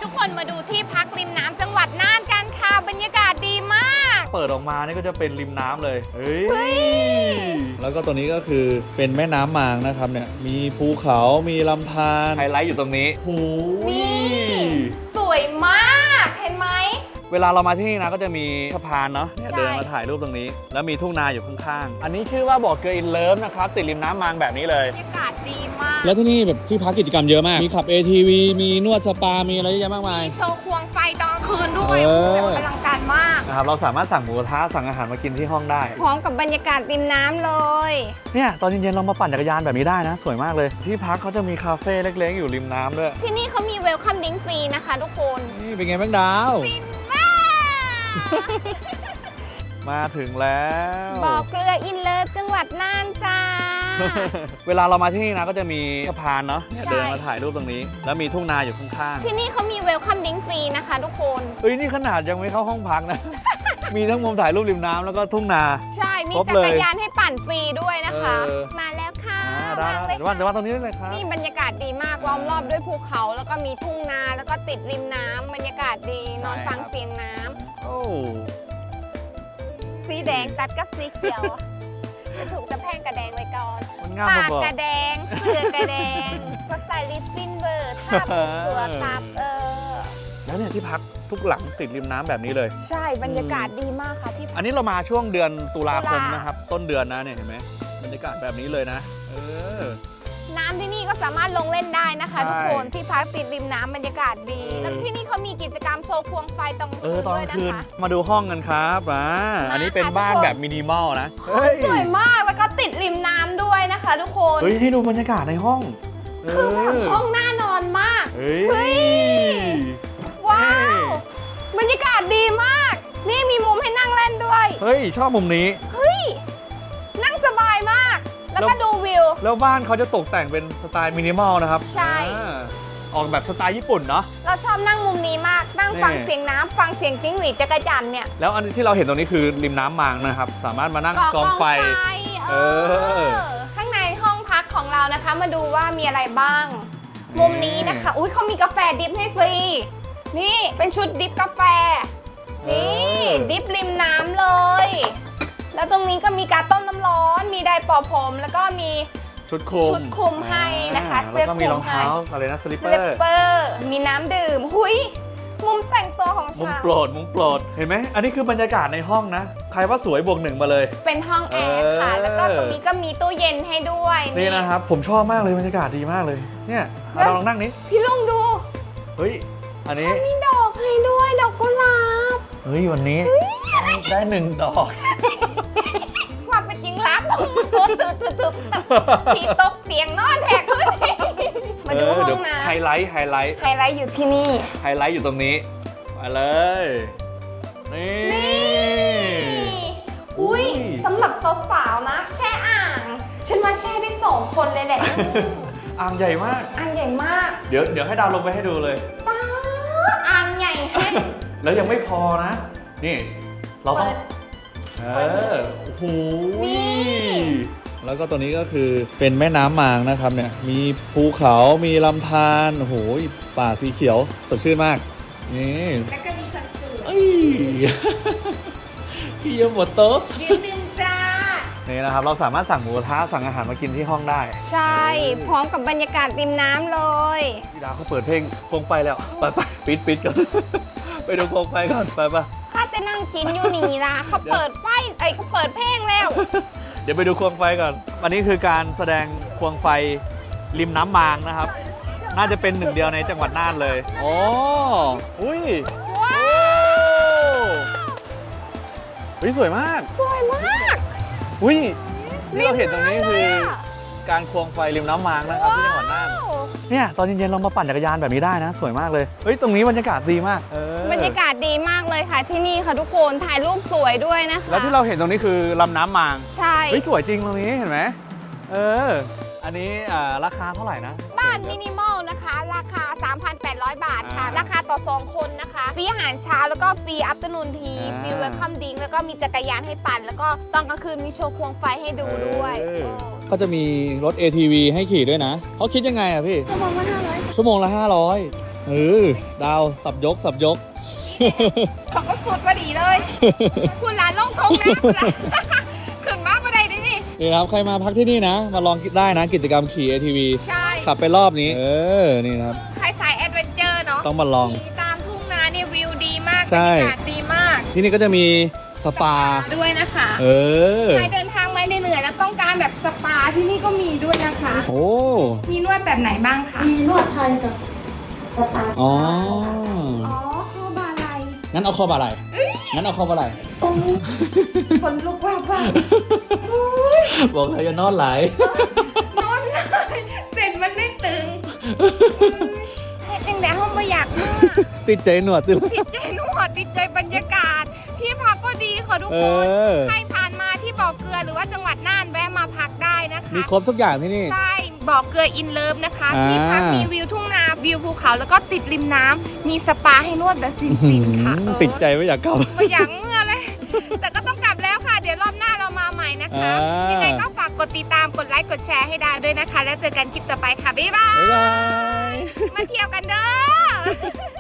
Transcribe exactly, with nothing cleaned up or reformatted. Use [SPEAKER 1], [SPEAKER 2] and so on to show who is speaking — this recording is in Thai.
[SPEAKER 1] ทุกคนมาดูที่พักริมน้ำจังหวัดน่านกันค่ะบรรยากาศดีมาก
[SPEAKER 2] เปิดออกมานี่ก็จะเป็นริมน้ำเลยเฮ้ยแล้วก็ตัวนี้ก็คือเป็นแม่น้ำมางนะครับเนี่ยมีภูเขามีลำธารไฮไลท์อยู่ตรงนี้โอ้
[SPEAKER 1] นี่สวยมากเห็นไหม
[SPEAKER 2] เวลาเรามาที่นี่นะก็จะมีสะพานเนาะเดินมาถ่ายรูปตรงนี้แล้วมีทุ่งนาอยู่ข้างๆอันนี้ชื่อว่าบ่อเกลืออินเลิฟนะครับติดริมน้ำมางแบบนี้เลย
[SPEAKER 1] บรรยากาศดีมาก
[SPEAKER 3] แล้วที่นี่แบบที่พักกิจกรรมเยอะมากมีขับ เอ ที วี มีนวดสปามีอะไรเยอะแยะมากมาย
[SPEAKER 1] มีโชว์ควงไฟตอนคืนด้วยโอ้โหอลังการมาก
[SPEAKER 2] นะครับเราสามารถสั่งหมูกระทะสั่งอาหารมากินที่ห้องได้
[SPEAKER 1] พร้อมกับบรรยากาศริมน้ำเลย
[SPEAKER 2] เนี่ยตอนเย็นๆเรามาปั่นจักรยานแบบนี้ได้นะสวยมากเลยที่พักเขาจะมีคาเฟ่เล็กๆอยู่ริมน้ำด้วย
[SPEAKER 1] ที่นี่เขามีเวลคัมดิ้งฟรีนะคะทุกคน
[SPEAKER 3] นี่เป็นไงบ้างดาว
[SPEAKER 2] มาถึงแล้ว
[SPEAKER 1] บ่อเกลืออินเลิฟจังหวัดน่านจ้า
[SPEAKER 2] เวลาเรามาที่นี่นะก็จะมีสะพานเนาะเดินมาถ่ายรูปตรงนี้แล้วมีทุ่งนาอยู่ข้าง
[SPEAKER 1] ๆที่นี่เขามีเวลคัมดิ้งฟรีนะคะทุกคน
[SPEAKER 2] เอ้ยนี่ขนาดยังไม่เข้าห้องพักนะ มีทั้งมุมถ่ายรูปริมน้ำแล้วก็ทุ่งนา
[SPEAKER 1] ใช่มีจักรยานให้ปั่นฟรีด้วยนะคะมาแล้วค่ะ
[SPEAKER 2] ได้เดี๋ยวว่าจะว่าตรงนี้ได้เลยครับ
[SPEAKER 1] นี่บรรยากาศดีมากล้อมรอบด้วยภูเขาแล้วก็มีทุ่งนาแล้วก็ติดริมน้ำบรรยากาศดีนอนฟังเสียงน้ำ
[SPEAKER 2] โอ้
[SPEAKER 1] สีแดงตัดกับสีเขียวจะถูกจะแพงกระแดงไว้ก่อน
[SPEAKER 2] ป
[SPEAKER 1] ากกระแดงเสื้อกระแดงก็ใส่ลิปปิ้นเบอร์ท่าปุ๊บตัวตับเออ
[SPEAKER 2] แล้วเนี่ยที่พักทุกหลังติดริมน้ำแบบนี้เลย
[SPEAKER 1] ใช่บรรยากาศดีมากค่ะที่
[SPEAKER 2] อันนี้เรามาช่วงเดือนตุลาคมนะครับต้นเดือนนะเนี่ยเห็นไหมบรรยากาศแบบนี้เลยนะเออ
[SPEAKER 1] น้ำที่นี่ก็สามารถลงเล่นได้นะคะทุกคนที่พักติดริมน้ำบรรยากาศดีแล้วที่นี่เขามีกิจกรรมโชว์ควงไฟตอนคืนด้วยนะคะ
[SPEAKER 2] มาดูห้องกันครับอ่าอันนี้เป็นบ้านแบบมินิมอลนะ
[SPEAKER 1] สวยมากแล้วก็ติดริมน้ำด้วยนะคะทุกคน
[SPEAKER 2] เฮ้ยให้ดูบรรยากาศในห้อง
[SPEAKER 1] คือแบบห้องน่านอนมาก
[SPEAKER 2] เฮ้ย
[SPEAKER 1] ว้าวบรรยากาศดีมากนี่มีมุมให้นั่งเล่นด้วย
[SPEAKER 2] เฮ้ยชอบมุมนี้
[SPEAKER 1] เฮ้ยนั่งสบายมากแล้วก็ดูวิว
[SPEAKER 2] แล้วบ้านเขาจะตกแต่งเป็นสไตล์มินิมอลนะครับ
[SPEAKER 1] ใช่
[SPEAKER 2] ออกแบบสไตล์ญี่ปุ่นเนาะ
[SPEAKER 1] เราชอบนั่งมุมนี้มากนั่งฟังเสียงน้ำฟังเสียงจิ้งหรีดจักรจั่นเนี่ย
[SPEAKER 2] แล้วอันที่เราเห็นตรงนี้คือริมน้ำมางนะครับสามารถมานั่งกองไฟ
[SPEAKER 1] เออข้างในห้องพักของเรานะคะมาดูว่ามีอะไรบ้างมุมนี้นะคะอุ้ยเขามีกาแฟดิฟให้ฟรีนี่เป็นชุดดิฟกาแฟนี่ดิฟริมน้ำเลยแล้วตรงนี้ก็มีการต้มน้ำร้อนมีไดร์เป่าผมแล้วก็มี
[SPEAKER 2] ชุดคลุม
[SPEAKER 1] ชุดคลุมให้นะคะ
[SPEAKER 2] เสื้อคลุมมีรองเท้าอะไรนะสลิปเปอ
[SPEAKER 1] ร์มีน้ำดื่มหุยมุมแต่งตัวของฉัน
[SPEAKER 2] มุมโปรดมุมโปรดเห็นไหมอันนี้คือบรรยากาศในห้องนะใครว่าสวยบวกหนึ่งมาเลย
[SPEAKER 1] เป็นห้องแอร์ค่ะแล้วก็ตรงนี้ก็มีตู้เย็นให้ด้วย
[SPEAKER 2] นี่นะครับผมชอบมากเลยบรรยากาศดีมากเลยเนี่ยเราลองนั่งนี้
[SPEAKER 1] พี่ลุงดู
[SPEAKER 2] เฮ้ยอันนี้
[SPEAKER 1] มีดอกให้ด้วยดอกกุหลาบ
[SPEAKER 2] เฮ้ยวันนี้ได้หนึ่งดอก
[SPEAKER 1] ความเป็นจริงรักตัวตืดตืดตืดที่ตกเตียงนอนแทกขึ้นมาดูห้องน้ำ
[SPEAKER 2] ไฮไลท์ไฮไลท์
[SPEAKER 1] ไฮไลท์อยู่ที่นี่
[SPEAKER 2] ไฮไลท์อยู่ตรงนี้มาเลยนี่
[SPEAKER 1] อุ้ยสำหรับสาวๆนะแช่อ่างฉันมาแช่ได้สองคนเลยแหละ
[SPEAKER 2] อ่างใหญ่มาก
[SPEAKER 1] อ่างใหญ่มาก
[SPEAKER 2] เดี๋ยวเดี๋ยวให้ดาวลงไปให้ดูเลย
[SPEAKER 1] ป้าอ่างใหญ่แฮ่
[SPEAKER 2] แล้วยังไม่พอนะนี่เราต้องเออโอ้โหแล้วก็ตัวนี้ก็คือเป็นแม่น้ำมางนะครับเนี่ยมีภูเขามีลำธารโอ้โหป่าสีเขียวสดชื่นมากนี่
[SPEAKER 1] แล้วก็มีคนสวย
[SPEAKER 2] พี่ยมหมดโต๊ะ
[SPEAKER 1] ยืนหนึ่งจ้า
[SPEAKER 2] นี่นะครับเราสามารถสั่งหมูกระทะสั่งอาหารมากินที่ห้องได้
[SPEAKER 1] ใช่พร้อมกับบรรยากาศริมน้ำเลย
[SPEAKER 2] พี่ดาวเขาเปิดเพลงโคมไฟแล้วไปไปปิดปิดกันไปดูโคมไฟก่อนไปปะ
[SPEAKER 1] ข้าจะนั่งกินอยู่นี่นะเขาเปิดไฟไอ้เขาเปิดเพลงแล้ว
[SPEAKER 2] เดี๋ยวไปดูควงไฟก่อนวันนี้คือการแสดงควงไฟริมน้ำมางนะครับน่าจะเป็นหนึ่งเดียวในจังหวัดน่านเลยโอ้อุ้ย
[SPEAKER 1] ว้าว
[SPEAKER 2] อุ้ยสวยมาก
[SPEAKER 1] สวยมาก
[SPEAKER 2] อุ้ยที่เราเห็นตรงนี้คือการควงไฟริมน้ำมางนะครับที่จังหวัดน่านเนี่ยตอนเย็นๆเรามาปั่นจักรยานแบบนี้ได้นะสวยมากเลยเฮ้ยตรงนี้บรรยากาศดีมาก
[SPEAKER 1] บรรยากาศดีมากเลยค่ะที่นี่ค่ะทุกคนถ่ายรูปสวยด้วยนะคะ
[SPEAKER 2] แล้วที่เราเห็นตรงนี้คือลำน้ำมาง
[SPEAKER 1] ใช่
[SPEAKER 2] เฮ้ยสวยจริงตรงนี้เห็นไหมเอออันนี้ราคาเท่าไหร่นะ
[SPEAKER 1] บ้านมินิมอลนะคะราคา สามพันแปดร้อย บาทค่ะราคาต่อสองคนนะคะฟรีอาหารเช้าแล้วก็ฟรีอัฟเตอร์นูนทีฟรีเวลคัมดิ้งแล้วก็มีจักรยานให้ปั่นแล้วก็ตอนกลางคืนมีโชว์ควงไฟให้ดูด้วย
[SPEAKER 3] ก็จะมีรถ เอ ที วี ให้ขี่ด้วยนะเขาคิดยังไงอะพี่
[SPEAKER 1] ชั่วโมงละห้าร้อย
[SPEAKER 3] ชั่วโมงละห้าร้อยเออดาวสับยกสับยก
[SPEAKER 1] เขาก็สุดพอดีเลย คุณหลานลงทงนะคุณหลาน ขึ้นมาประเดี๋ยวนี้
[SPEAKER 3] นี่ครับใครมาพักที่นี่นะ มาลองได้นะกิจกรรมขี่ เอ ที วี
[SPEAKER 1] ใช่
[SPEAKER 3] ขับไปรอบนี้ เออ นี่นะครับ
[SPEAKER 1] ใครสายแอดเวนเจอร์เนาะ
[SPEAKER 3] ต้องมาลอง
[SPEAKER 1] ขี่ตามทุ่งนาเนี่ยวิวดีมากบร
[SPEAKER 3] ใช่
[SPEAKER 1] รยากาศดีมาก
[SPEAKER 3] ที่นี่ก็จะมีสปา
[SPEAKER 1] ด้วยนะคะ
[SPEAKER 3] เออ
[SPEAKER 1] ใครเดินทางมาเหนื่อยๆแล้วต้องการแบบสปาที่นี่ก็มีด้วยนะคะ
[SPEAKER 3] โอ้
[SPEAKER 1] มีนวดแบบไหนบ้างคะ
[SPEAKER 4] มีนวดไทยกับสปา
[SPEAKER 3] อ๋อ
[SPEAKER 1] อ๋อคอบาไหล
[SPEAKER 3] งั้นเอาคอบาไหลงั้นเอาคอบาไหล
[SPEAKER 1] ตรงคนลุกว่าว่า
[SPEAKER 3] บอกเลยจะนอนไหล
[SPEAKER 1] นอนเลยเสร็จมันได้ตึงเฮ็ดจังแต่ห้องไม่อยากเมื่อ
[SPEAKER 3] ติดใจหนวดติด
[SPEAKER 1] ติดใจนวดติดใจบรรยากาศ ที่พักก็ดีค่ะทุก
[SPEAKER 3] เอ
[SPEAKER 1] คน
[SPEAKER 3] อ
[SPEAKER 1] ใครผ่านมาที่บ่อเกลือหรือว่าจังหวัดน่านแวะมาพักได้นะคะ
[SPEAKER 3] มีครบทุกอย่างที่นี่
[SPEAKER 1] ใช่บ่อเกลืออินเลิฟนะคะ
[SPEAKER 3] อ่า
[SPEAKER 1] ที่พักมีวิวทุ่งนาวิวภูเขาแล้วก็ติดริมน้ำมีสปาให้นวดแบบฟินๆค่ะเออ
[SPEAKER 3] ติดใจไม่อยากกลับ
[SPEAKER 1] ไม่อยากเมื่อเลย แต่ก็ต้องกลับแล้วค่ะ เดี๋ยวรอบหน้าเรามาใหม่นะคะ
[SPEAKER 3] อ่ายั
[SPEAKER 1] ยังไงก็ฝากกดติดตามกดไลค์กดแชร์ให้ได้ด้วยนะคะ แล้วเจอกันคลิปต่อไปค่ะบ๊ายบาย
[SPEAKER 3] บ๊ายบาย
[SPEAKER 1] มาเที่ยวกันเด้อ